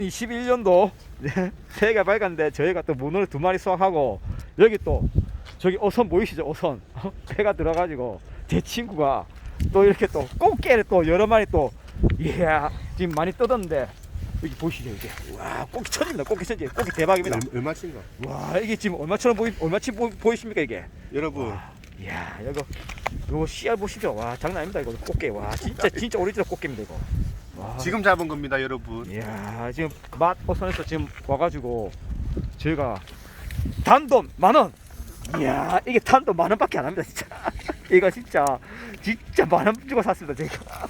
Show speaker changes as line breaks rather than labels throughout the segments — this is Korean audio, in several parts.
21년도 새해가 밝았는데 저희가 또 문어를 2마리 수확하고 여기 또 저기 어선 보이시죠? 어선 배가 들어가지고 제 친구가 또 이렇게 또 꽃게를 또 여러 마리 또 이야 지금 많이 뜯었는데 여기 보이시죠? 이게 와 꽃게 천입니다. 꽃게 천지 꽃게 대박입니다.
얼마친가?
와 이게 지금 얼마처럼 얼마치 보이십니까 이게?
여러분.
와, 이야 요거 씨알 보시죠? 와 장난 아닙니다 이거 꽃게. 와 진짜 오리지널 꽃게입니다 이거. 와.
지금 잡은 겁니다, 여러분.
이야 지금 맛 어선에서 지금 와가지고 저희가 단돈 10,000원. 이야 이게 단돈 10,000원밖에 안 합니다 진짜. 이거 진짜 10,000원 주고 샀습니다 저희가.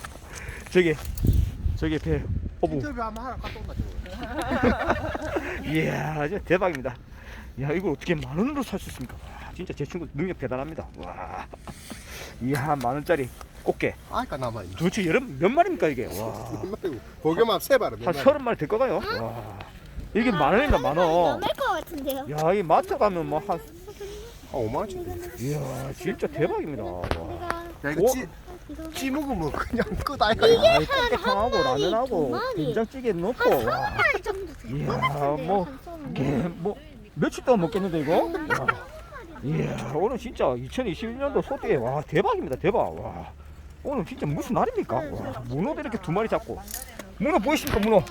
저기 배 어부.
인터뷰 한번 하러 갔다 온다.
이야 진짜 대박입니다. 이야 이걸 어떻게 10,000원으로 살 수 있습니까? 와, 진짜 제 친구 능력 대단합니다. 와 이야 10,000원짜리 꽃게
아까 남아있네.
도대체 여름 몇 마리입니까 이게? 와
고개만 세봐라.
한 30마리 될 거가요? 와 이게 10,000원입니다 10,000원.
넘을 것 같은데요.
야, 이 마트 가면 뭐 한
5만원치.
이야, 진짜 대박입니다. 와.
야, 이거 찌 먹으면 그냥 끝 아이가.
아, 이 꽃게탕하고 라면하고 된장찌개 넣고. 와.
한 정도 돼요.
이야, 뭐 며칠 동안 먹겠는데 이거? 와. 이야, 오늘 진짜 2021년도 소띠에 와 대박입니다 대박. 와. 오늘 진짜 무슨 날입니까? 와, 문어도 이렇게 2마리 잡고. 문어 보이십니까 문어?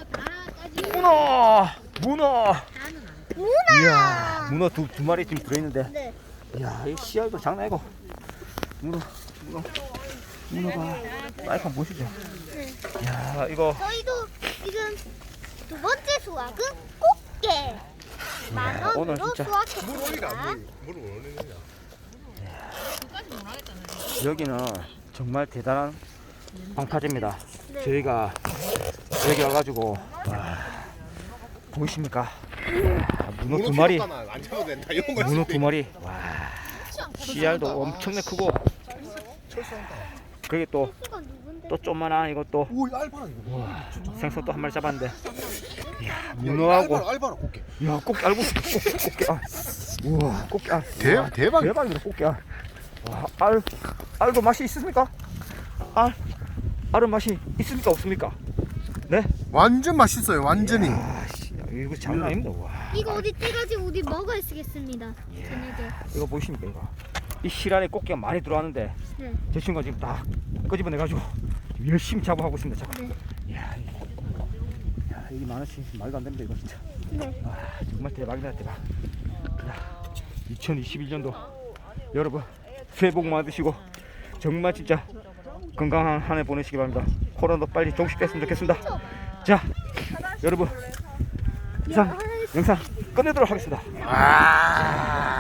문어. 이야, 문어 두 마리 지금 들어있는데.
네.
이야, 이 씨알도 장난 아니고. 문어가 사이판 보시죠.
네.
이야, 이거
저희도 지금 2번째 수확은 꽃게.
오늘
10,000원으로
진짜
수확했습니다.
물을 올리느냐.
여기는 정말 대단한 방파제입니다.
네.
저희가 여기 와가지고 와, 보이십니까? 이야, 문어 2마리.
안 잡아도 된다. 이런 거
문어 2마리. 와, 씨알도 엄청나게 크고. 그게 또
수가 누군데?
조그만한 이것도
오, 알바라 이거.
생선 또 한 마리 잡았는데. 이야, 문어하고.
알바라 꽃게.
야, 꽃게 알고 있어. 꽃게. 아. 우와, 꽃게. 아.
대박.
대박입니다, 꽃게. 아. 와, 알도 맛이 있습니까? 알은 맛이 있습니까? 없습니까? 네?
완전 맛있어요, 완전히.
아, 씨, 이거 장난 아닙니다. 와.
이거 어디 떼가지고 우리 먹어야 쓰겠습니다. 저녁에.
이거 보이십니까, 이거? 이 실안에 꽃게가 많이 들어왔는데
네.
제 친구가 지금 다 끄집어내가지고 열심히 작업하고 있습니다. 작업.
네.
이야, 이게 10,000원씩 말도 안 됩니다, 이거 진짜.
네.
와, 정말 대박이다, 대박. 야, 2021년도 여러분 새해 복 많으시고 정말 진짜 건강한 한 해 보내시기 바랍니다. 코로나도 빨리 종식됐으면 좋겠습니다. 자, 여러분 이상 영상 끝내도록 하겠습니다.